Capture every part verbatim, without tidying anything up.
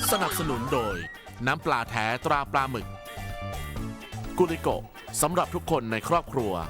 สนับสนุนโดยน้ำปลาแท้ตราปลาหมึกกุลิโกสำหรับทุกคนในครอบครัว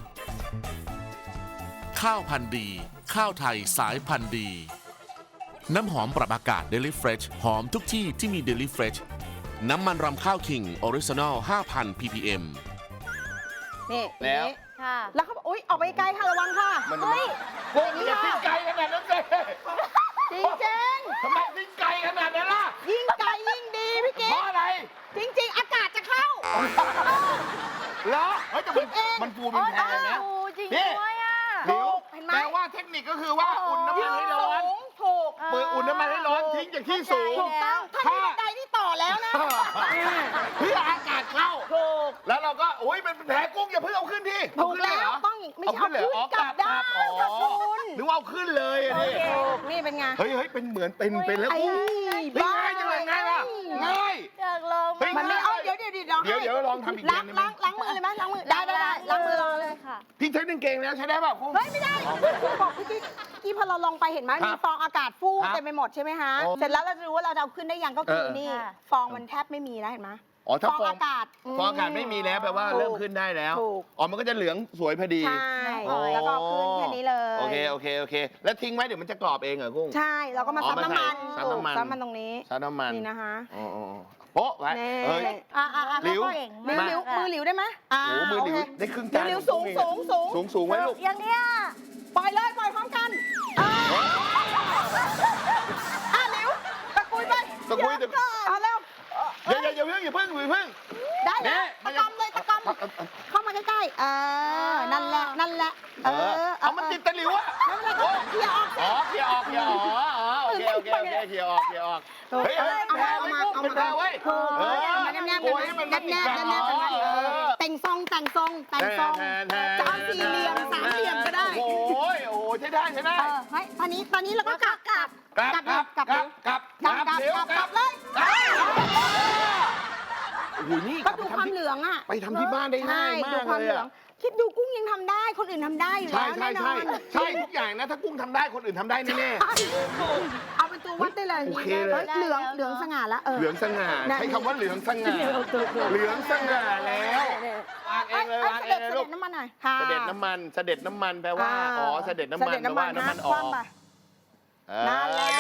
ข้าวพันธุ์ดีข้าวไทยสายพันธุ์ดีน้ำหอมปรับอากาศ Daily Fresh หอมทุกที่ที่มี Daily Fresh น้ำมันรำข้าวคิงออริจินอล ห้าพัน พี พี เอ็มนี่แล้วนี่ค่ะแล้วเขาบอกอุ๊ย ออกไปไกลค่ะ ระวังค่ะมันเฮ้ยพวกนี้ทิ้งไกลขนาดนั้นเลยจริงจริงทำไมทิ้งไกลขนาดนั้นล่ะๆยิ่งไกลยิ่งดีพี่กิ๊เพกราะอะไรจริง ๆ อากาศจะเข้าเหรอเฮ้ยแต่มันคิดเองมันฟูมันแพงนะโอ้จริงนี่ด้วยอ่ะหลิวเห็นไหมแปลว่าเทคนิคก็คือว่าอุ่นน้ำมันให้ร้อนสูงถูกเปิดอุ่นน้ำมันให้ร้อนทิ้งจากที่สูงถูกต้องถ้ามีบันไดที่ต่อแล้วนะเพื่ออากาศเข้าถูกแล้วเราก็โอ้ยเป็นแผลกุ้งอย่าเพิ่งเอาขึ้นที่ถูกแล้วต้องไม่ใช่เอาขึ้นกลับได้ค่ะคุณหรือว่าเอาขึ้นเลยอะนี่ถูกนี่เป็นไงเฮ้ยเฮ้ยเป็นเหมือนเป็นเป็นแล้วไอ้กุ้งเฮ้ยง่ายจังเลยง่ายป่ะง่ายอยากลองเฮ้ยมันไม่เอาเดี๋ยวเดี๋ยวเดี๋ยวเดี๋ยวเดี๋ยวลองทำอีกล้างอย่างหนึ่งล้างล้างมือเลยไหมล้างมือได้ได้ได้ล้างมือรอเลยค่ะพี่ใช้กางเกงแล้วใช้ได้ป่ะกุ้งเฮ้ยไม่ได้คุณบอกพี่กิ๊กกี้พอเราลงไปเห็นไหมครับมีฟองอากาศฟูครับเต็มไปหมดใช่ไหมฮะโอ้เสร็จแล้วเราจะรู้ว่าเราจะเอาขึ้นได้ยังก็คือเออนี่ค่ะฟองมันแทบไม่มีแล้วเห็นไหมอ๋อถ้าฟองฟองอากาศฟองอากาศไม่มีแล้วแปลว่าถูกเริ่มขึ้นได้แล้วถูกอ๋อมันก็จะเหลืองสวยพอดีใช่อ๋อแล้วก็เอาขึ้นแค่นี้เลยโอเคโอเคโอเค แล้วทิ้งไว้เดี๋ยวมันจะกรอบเองเหรอกุ้งใช่แล้วก็มาอ๋อซับน้ำมันมาใส่ซับน้ำมันซับมันตรงนี้ซับน้ำมันนี่นะคะอ๋ออ๋ออ๋อโป๊ะไว้นี่เฮ้ยอ่ะอ่ะอ่ะหลิวเก่งหลิวมากหลิวอะมือหลิวได้ไหมอ่าโอ้โหมือหลิวโเคได้ครึ่งหลิวจานหลิวสูงสูงสูงสูงสูงไว้ลูกอย่างเนี้ยปล่อยเลยปล่อยพร้อมกันอ่าอ่ะหลิวตะกุยไปตะกุยตะกุยเอาเร็วอย่าอย่าอย่าเพิ่งอย่าเพิ่งอย่าเพิ่งได้เนี่แล้วยตะกอมเลยตะกอมเข้ามาใกล้ๆเออนั่นแหละนั่นแหละเออเอามันติดตะหลิวอะนั่นแหละเคลียร์ออกอ๋อเคลียร์ออกเคลียร์ออกอ๋ออ๋อโอเคโอเคโอเคเคลียร์ออกเคลียร์ออกเฮ้ยเฮ้ยเอาแพ้มาไว้เอากุ้งมาเป็นแพ้ไว้ถูกเออเอามาแนบๆโอ้ยมันแนบๆแนบๆแนบๆแนบๆอ๋อเออแต่งทรงแต่งทรงแต่งทรงแทนแทนจะเอาสี่เหลี่ยมสามเหลี่ยมก็ได้โอ้ยโอ้ยใช้ได้ใช้ได้เออเฮ้ยตอนนี้ตอนนี้เราก็กลับกลับกลับกลับกลับกลับกลับกลับกลับเร็วกลับกลับเลยโอ้โหนี่ก็ดูความเหลืองอ่ะไปทำที่บ้านได้ง่ายใช่มาดูกความเลยเหลืองอะคิดดูกุ้งยังทำได้คนอื่นทำได้อยู่ใช่แล้วใช่แน่นอใช่นใช่ทุกอย่างนะถ้ากุ้งทำได้คนอื่นทำได้แน่ใช่เอาเป็นตัววัดได้เลยโอเคเลยฮ้เหลืองเหลืองสง่าแล้วเอๆอเหลืองสง่านั่นใช้คำว่าเหลืองสง่าเหลืองสง่าแล้ววางเองเลยวางเองเลยเสลูด็กจน้ำมันหน่อยค่ะเสด็จน้ำมันเสด็จน้ำมันแปลว่าอ๋อเสด็จน้ำมันเสด็จแปลว่าน้ำมันน้ำมันออกคว่ำไปเออนั่นแหละ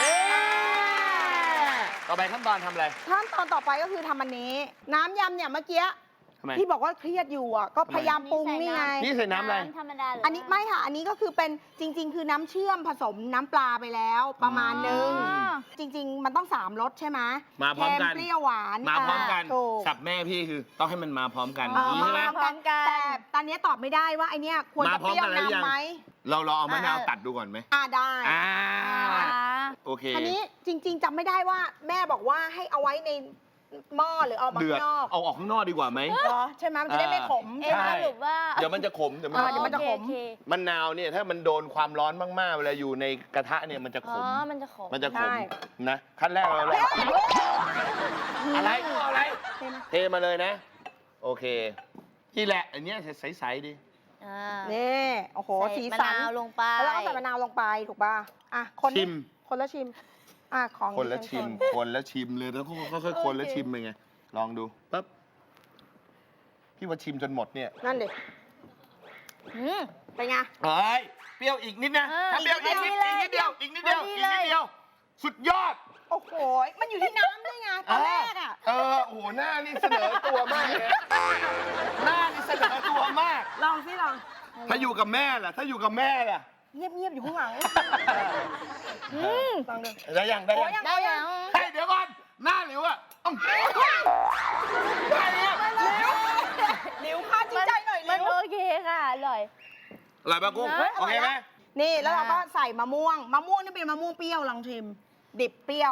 ต่อไปขั้นตอนทำอะไรขั้นตอนต่อไปก็คือทำอันนี้ น้ำยำเนี่ยเมื่อกี้ทำไมที่บอกว่าเครียดอยู่อ่ะก็พยายามปรุงนี่ไงนี่ใส่น้ำอะไรธรรมดาเลยอันนี้ไม่ค่ะ อันนี้ก็คือเป็นจริง ๆ คือน้ำเชื่อมผสมน้ำปลาไปแล้วประมาณนึงอ๋อจริง ๆ มันต้องสามรสใช่ไหมมาพร้อมกันเค็เปรี้ยวหวานมาพร้อมกันถูกสับแม่พี่คือต้องให้มันมาพร้อมกันเออใช่ไหมมาพร้อมกันแต่ตอนนี้ตอบไม่ได้ว่าไอเนี้ยควรมาจะพร้อเปมรี้ยวกันแล้วยังนำไหมเราลองเอามะนาวอ่าตัดดูก่อนไหมอ่าได้อ่าอ่าโอเคอันนี้จริง ๆจำไม่ได้ว่าแม่บอกว่าให้เอาไว้ในหม้อหรือเอามาเดือดข้างนอกเอาออกข้างนอกดีกว่าไหมเหรอใช่ไหมมันจะได้ไม่ขมเอ๊ะใช่ไหมสรุปว่าเดี๋ยวมันจะขมเดี๋ยวมันอ่าจะเดี๋ยวมันจะโอขมเคมะนาวเนี่ยถ้ามันโดนความร้อนมากๆเวลาอยู่ในกระทะเนี่ยมันจะขอ๋อมมันจะขมมันจะขใช่มนะขั้นแรกเราเลยอะไรเอาอะไรเห็นไหมเทมาเลยนะ โอเคนี่แหละอันเนี้ยใสๆดีอ่านี่โอ้โหใส่สีมะสันนาวลงไปแล้วก็ใส่มะนาวลงไปถูกป่ะอ่ะคนชิมคนละชิมอ่ะของคนละชิมดิฉันคนละชิมเลยแล้วค่อยๆคนแล้วชิมไปไงลองดูปั๊บพี่ว่าชิมจนหมดเนี่ยนั่นดิอืมเป็นไงเฮ้ยเปรี้ยวอีกนิดนะเออถ้าเปรี้ยวอีกนิดอีกนิอีกนิดดเดียวอีกนิดเดียวพอดีอีกเลยนิดเดียว สุดยอดโอ้โหมันอยู่ที่น้ำด้วยไงตอนแรกอ่ะเออโอ้โหหน้านี่เสนอตัวมากเลยนะหน้านี่เสนอตัวมากลองสิลองถ้าอยู่กับแม่ล่ะ ถ้าอยู่กับแม่ล่ะเงียบๆอยู่ข้างหลังอืมลองดูได้ยังได้โอ้ยังยังได้ยังเฮ้ยเดี๋ยวก่อนหน้าหลิวอะอ้าวได้แล้วหลิวค่าจริงใจหน่อยหมัลินวโอเคค่ะ อร่อยอร่อยปะกุ้งเฮ้ยโอเคไหมนี่แล้วเราก็ใส่มะม่วงมะม่วงนี่เป็นมะม่วงเปรี้ยวลองชิม ดิบเปรี้ยว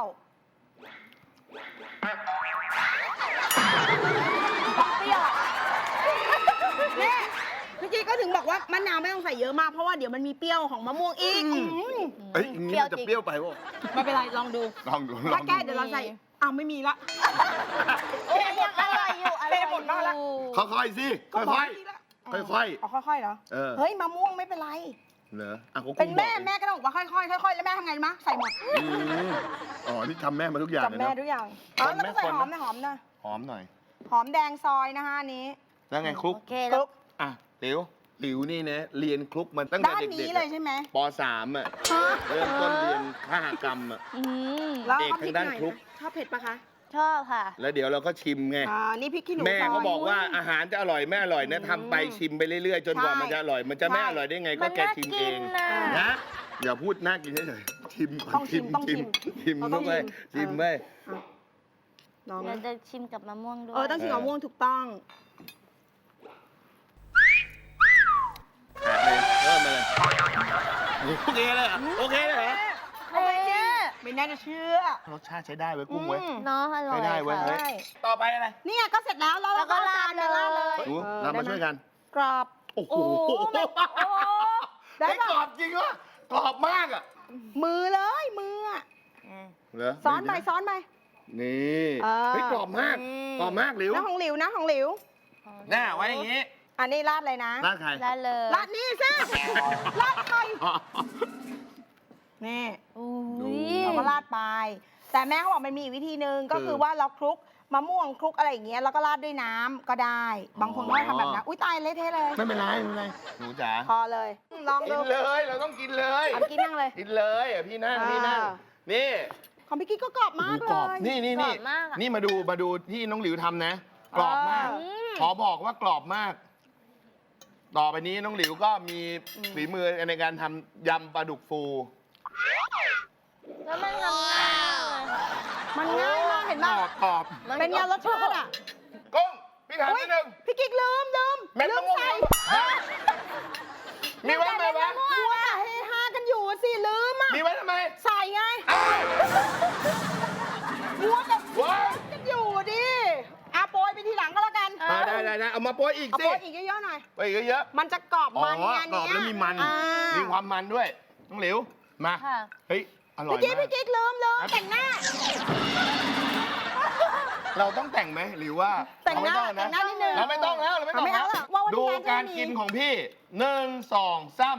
เปรี้ยวนี่พี่จีก็ถึงบอกว่ามะนาวไม่ต้องใส่เยอะมากเพราะว่าเดี๋ยวมันมีเปรี้ยวของมะม่วงอีกอืมเอ้ยอย่างนี้มันจะเปรี้ยวไปวะไม่เป็นไรลองดูลองดูลอถ้าง แก้ดูเดี๋ยวเราใส่อ้าวไม่มีละโอ้ยยังอร่อยอยู่อร่อยเทหมดแล้วล่ะอยู่ค่อยๆสิก็บกค่อยดีละค่อยๆอ๋อค่อยๆเหรอเออเฮ้ยมะม่วงไม่เป็นไรเหรออ่ะเขาคงเป็นแม่บอกแม่ก็ต้องบอกว่าค่อยๆค่อยๆแล้วแม่ทำไงรู้มะใส่หมดอืมอ๋อที่ทำแม่มาทุกอย่างเลยจำแม่เนาะทุกอย่างอ๋อคนแล้วไหมก็ใส่คนหไหมอมนะหอมนะหอมหน่อยหอมแดงซอยนะคะอันนี้แล้วไงคลุกโอเคคแล้ลุวกอ่ะหลิวหลิวนี่นะเรียนคลุกมันตั้งแต่ด้านเด็นี้กๆเลยอะใช่ไหมปสามอ่ะฮะเริ่มต้นเรียนขหกรรมอ่ะอืมแล้วเอกเอาพริกทางด้านหน่อยคลุกนะชอบเผ็ดปะคะชอบค่ะแล้วเดี๋ยวเราก็ชิมไงอ่านี่พริกขี้หนูแม่ซยเขาบอกว่าอาหารจะอร่อยไม่อร่อยนะทำไปชิมไปเรื่อยๆ จนกว่าใช่มันจะอร่อย มันจะไม่ใช่อร่อยได้ไงมัก็นแกน่าชิมกิเอน งนะนะอย่าพูดน่ากินเฉยๆชิมก่อนต้องชิมต้องชิมชิมเราต้เข้าองไปชิชิมมเออไปอ่ะลองเรานะจะชิมกับมะม่วงด้วยเออต้องชิมกับม่วงถูกต้องขาดเลยเริ่มมาเลยโอเคเลยเหรอโอเคเลยเหรอเฮ้ยไม่น่าจะเชื่อรสชาติใช้ได้เว้ยกุ้งเว้ยอืมเนาะอร่อยไม่ได้เว้ยค่ะเฮ้ยใช่ต่อไปอะไรเนี่ยก็เสร็จแล้วแล้วแล้เราวก็ก็เอาจานราดไปเลยราดเลยดูออเรามาได้ไหช่วยกันกรอบโอ้โหโอ้โหมันโอ้ได้ได้ปะกรอบจริงวะกรอบมากอ่ะมือเลยมืออะเหรอซ้อนไปซ้อนไปนี่เออเฮ้ยกรอบมากอืมกรอบมากหลิวนะของหลิวนะของหลิวหน้าไว้อย่างงี้อันนี้ราดเลยนะหน้าใครได้เลยราดนี่สิราดใครอ๋อนี่อุ้ดูยเราก็ราดไป แต่แม่เขาบอกมันมีอีกวิธีหนึ่งก็คือคือว่าเราคลุกมะม่วงคลุกอะไรอย่างเงี้ยแล้วก็ราดด้วยน้ำก็ได้ บางคนก็ทำแบบนั้นอุ้ยตายเละเทะเลยไม่เป็นไรไม่เป็นไรหนูจ๋าพอเลย ลองกิดูนเลย เราต้องกินเลยเอากินนั่งเลยกินเลยอ่ะพี่นั่งพี่นั่งอ่านี่ของพี่กิ๊กก็กรอบมากโอ้โหเลกรอบยนี่นี่กรนี่อบมากอะนี่มาดูมาดูที่น้องหลิวทำนะ กรอบมากเออขอบอกว่ากรอบมาก ต่อไปนี้น้องหลิวก็มีอืมฝีมือในการทำยำปลาดุกฟูแล้วมันทำง่ายเลยค่ะมันง่ายมากเห็นกรป่ะอบกรอบเป็นไงรสชาติอ่ะกุ้งพี่ถามอุ๊ยนิดนึงพี่กิ๊กลืมลืมเม็ดลืมะมม่วงใส่ฮะมีไว้ทำไมวะมัวแต่เฮฮากันอยู่สิลืมอ่ะมีไว้ทำไมใส่ไงอ้าวมัวแต่ว้าวกันอยู่ดิอาโปรยไปทีหลังก็แล้วกันอ่าได้ได้ได้เอามาโปรยอีกเอาสิโปรยอีกเยอะๆหน่อยไปอีกเยอะมันจะกรอบๆอ๋อมันไงกรอบเนี้ยแล้วมีมันอ่ามีความมันด้วยน้องหลิว มาค่ะเฮ้ย อร่อยพี่กิ๊กมากพี่กิ๊กลืมลืมแต่งหน้าเราต้องแต่งไหมหรือว่าแต่งหน้าเรไม่แต่งหน้านิดนึงเราไม่ต้องแล้วเราไม่ต้องไม่เอาแล้วละว่าวันนี้ดูร้านจะการมีกินของพี่หนึ่งสองสาม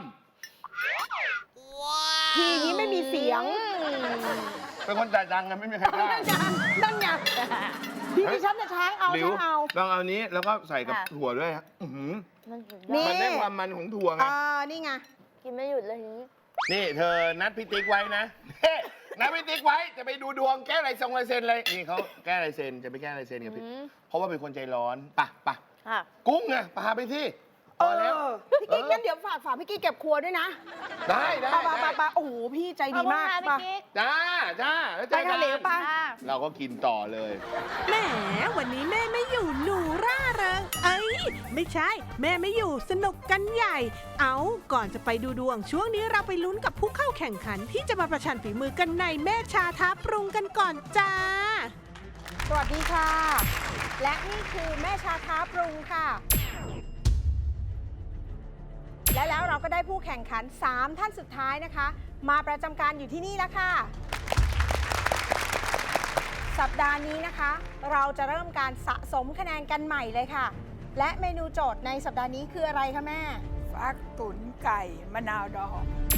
ทีนี้ไม่มีเสียงเป็นคนจ่ายตังค์กันไม่มีใครกล้านั่นไงนั่นไงพี่ดิฉันจะช้างเอาหลิวช้างเอาลองเอานี้แล้วก็ใส่กับค่ะถั่วด้วยฮะอื้อหือมันสุดยนี่อมันดได้ความมันของถั่วไงอ่านี่ไงกินไม่หยุดเลยทีนี้นี่เธอนัดพี่ติ๊กไว้นะ เฮ้นัดพี่ติ๊กไว้จะไปดูดวงแก้ลายทรงลายเซ็นเลยนี่เขาแก้ลายเซ็นจะไปแก้ลายเซ็นกับพี่อืมเพราะว่าเป็นคนใจร้อนป่ะป่ะค่ะกุ้งไงพาไปที่พเออแล้วอพี่กิ๊กงั้นเดี๋ยวฝากฝากพี่กิ๊กเก็บครัวด้วยนะได้ได้ปะปะได้ปะปะโอ้โหพี่ใจดีมากขอบคุณปะค่ะพี่กิ๊กจ้าจ้าแล้วเจไปอทะเลกันปะค่ะเราก็กินต่อเลยแหมวันนี้แม่ไม่อยู่หนูร่าเริง เอ้ย ไม่ใช่ แม่ไม่อยู่สนุกกันใหญ่ เอาก่อนจะไปดูดวง ช่วงนี้เราไปลุ้นกับผู้เข้าแข่งขัน ที่จะมาประชันฝีมือกันในแม่ชาท้าปรุงกันก่อนจ้าสวัสดีค่ะ และนี่คือแม่ชาท้าปรุงค่ะ และแล้วเราก็ได้ผู้แข่งขัน สาม ท่านสุดท้ายนะคะ มาประจำการอยู่ที่นี่แล้วค่ะ สัปดาห์นี้นะคะ เราจะเริ่มการสะสมคะแนนกันใหม่เลยค่ะ และเมนูโจทย์ในสัปดาห์นี้คืออะไรคะแม่ฟักตุ๋นไก่มะนาวดอง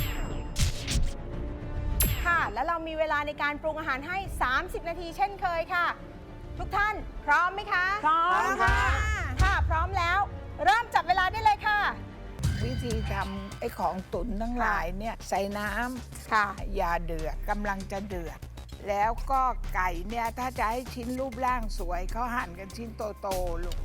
ค่ะ และเรามีเวลาในการปรุงอาหารให้ สามสิบ นาทีเช่นเคยค่ะ ทุกท่านพร้อมไหมคะพร้อมค่ะถ้าพร้อมแล้ว เริ่มจับเวลาได้เลยค่ะวิธีทำไอ้ของตุ๋นทั้งหลายเนี่ยใส่น้ค่ะำอย่าเดือดกำลังจะเดือด แล้วก็ไก่เนี่ยถ้าจะให้ชิ้นรูปร่างสวยเขาหั่นกันชิ้นโตๆลูก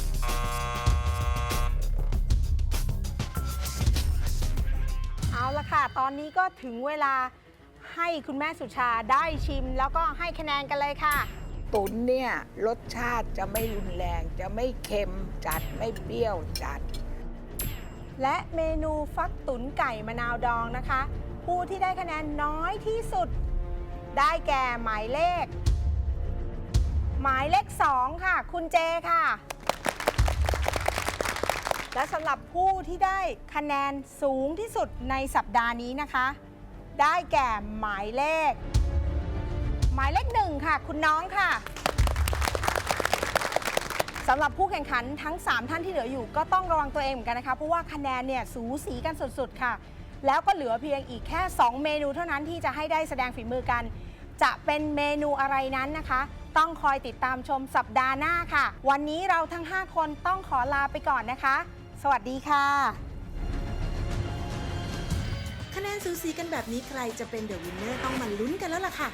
เอาละค่ะ ตอนนี้ก็ถึงเวลาให้คุณแม่สุชาได้ชิม แล้วก็ให้คะแนนกันเลยค่ะตุ๋นเนี่ยรสชาติจะไม่รุนแรง จะไม่เค็มจัดไม่เปรี้ยวจัดและเมนูฟักตุ๋นไก่มะนาวดองนะคะ ผู้ที่ได้คะแนนน้อยที่สุด ได้แก่หมายเลข หมายเลขสองค่ะ คุณเจค่ะ และสำหรับผู้ที่ได้คะแนนสูงที่สุดในสัปดาห์นี้นะคะ ได้แก่หมายเลข หมายเลขหนึ่งค่ะ คุณน้องค่ะสำหรับผู้แข่งขันทั้ง สาม ท่านที่เหลืออยู่ก็ต้องระวังตัวเองเหมือนกันนะคะ เพราะว่าคะแนนเนี่ยสูสีกันสุดๆค่ะแล้วก็เหลือเพียงอีกแค่ สอง เมนูเท่านั้นที่จะให้ได้แสดงฝีมือกัน จะเป็นเมนูอะไรนั้นนะคะ ต้องคอยติดตามชมสัปดาห์หน้าค่ะ วันนี้เราทั้ง ห้า คนต้องขอลาไปก่อนนะคะ สวัสดีค่ะคะแนนสูสีกันแบบนี้ใครจะเป็นเดอะวินเนอร์ต้องมาลุ้นกันแล้วล่ะค่ะ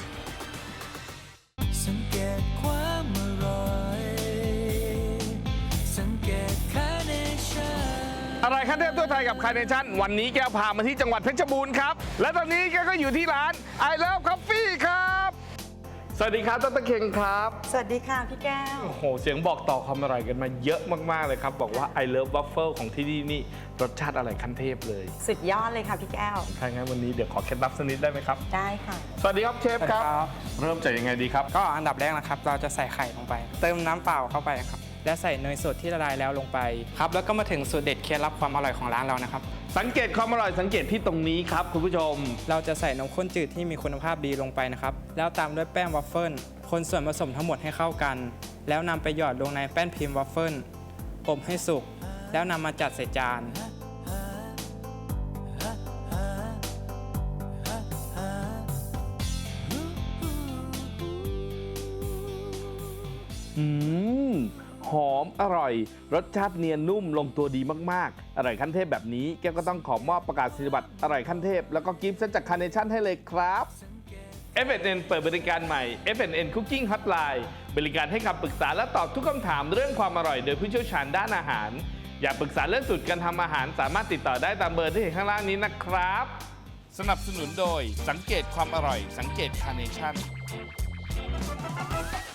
สังเกตความอร่อยสังเกตคาเนชั่นอะไรขั้นเทพทั่วไทยกับคาร์เนชั่นวันนี้แก้วพามาที่จังหวัดเพชรบูรณ์ครับ และตอนนี้แก้วก็อยู่ที่ร้าน I Love Coffee ครับ สวัสดีครับดรเคงครับสวัสดีค่ะพี่แก้วโอ้โห เสียงบอกต่อความอร่อยกันมาเยอะมาก ๆ เลยครับ บอกว่า I Love Waffle ของที่นี่นี่รสชาติอะไรขั้นเทพเลยสุดยอดเลยค่ะพี่แก้วถ้างั้นวันนี้เดี๋ยวขอเคล็ดลับสักนิดได้ไหมครับได้ค่ะสวัสดีครับเชฟครับ เริ่มจากยังไงดีครับก็อันดับแรกนะครับเราจะใส่ไข่ลงไป เติมน้ำเปล่าเข้าไปครับและใส่เนยสดที่ละลายแล้วลงไปครับแล้วก็มาถึงสูตรเด็ดเคล็ดลับความอร่อยของร้านเรานะครับสังเกตความอร่อยสังเกตที่ตรงนี้ครับคุณผู้ชมเราจะใส่นมข้นจืดที่มีคุณภาพดีลงไปนะครับแล้วตามด้วยแป้งวัฟเฟิลคนส่วนผสมทั้งหมดให้เข้ากัน แล้วนำไปหยอดลงในแป้นพิมพ์วัฟเฟิลอบให้สุกแล้วนำมาจัดใส่จานอืมหอมอร่อย รสชาติเนียนนุ่มลงตัวดีมากๆ อร่อยขั้นเทพแบบนี้แก้วก็ต้องขอมอบประกาศนียบัตรอร่อยขั้นเทพแล้วก็กิฟต์เซตจากคาร์เนชั่นให้เลยครับ เอฟ เอ็น เอ็น เปิดบริการใหม่ เอฟ เอ็น เอ็น Cooking Hotline บริการให้คำปรึกษาและตอบทุกคำถามเรื่องความอร่อยโดยผู้เชี่ยวชาญด้านอาหาร อยากปรึกษาเรื่องสูตรการทำอาหารสามารถติดต่อได้ตามเบอร์ที่เห็นข้างล่างนี้นะครับ สนับสนุนโดยสังเกตความอร่อยสังเกตคาร์เนชั่น